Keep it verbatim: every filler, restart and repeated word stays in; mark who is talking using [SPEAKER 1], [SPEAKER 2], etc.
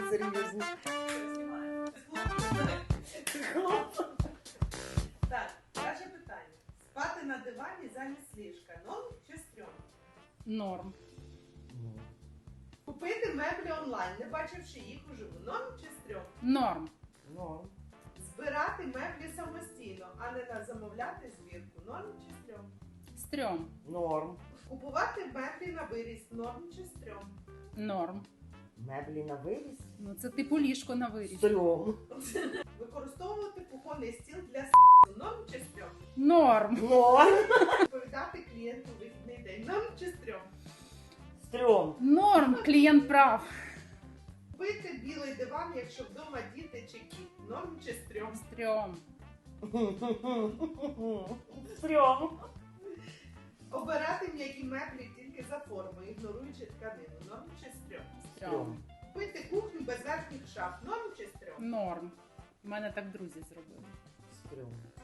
[SPEAKER 1] серйозні.
[SPEAKER 2] Так, перше питання. Спати на дивані замість ліжка. Норм чи стрьом?
[SPEAKER 3] Норм.
[SPEAKER 2] Купити меблі онлайн, не бачивши їх уживу. Норм чи стрьом?
[SPEAKER 3] Норм.
[SPEAKER 1] Норм.
[SPEAKER 2] Збирати меблі самостійно, а не на замовляти збірку. Норм чи стрьом?
[SPEAKER 3] Стрьом.
[SPEAKER 1] Норм.
[SPEAKER 2] Купувати меблі на виріс. Норм чи стрьом?
[SPEAKER 3] Норм.
[SPEAKER 1] Меблі на виріс?
[SPEAKER 3] Ну це типу ліжко на виріс.
[SPEAKER 1] Стрьом.
[SPEAKER 2] Використовувати кухонний стіл для с***. Норм чи стрьом?
[SPEAKER 3] Норм.
[SPEAKER 1] Норм.
[SPEAKER 2] Відповідати клієнту у вихідний день. Норм чи стрьом?
[SPEAKER 1] Стрьом.
[SPEAKER 3] Норм. Клієнт прав.
[SPEAKER 2] Купити білий диван, якщо вдома діти чи кіт. Норм чи стрьом?
[SPEAKER 3] Стрьом.
[SPEAKER 1] Стрьом.
[SPEAKER 2] Обирати м'які меблі тільки за формою, ігноруючи тканину. Норм чи стрьом?
[SPEAKER 3] Стрьом.
[SPEAKER 2] Купити кухню без верхніх шаф. Норм чи стрьом?
[SPEAKER 3] Норм. У мене так друзі зробили.
[SPEAKER 1] Стрьом.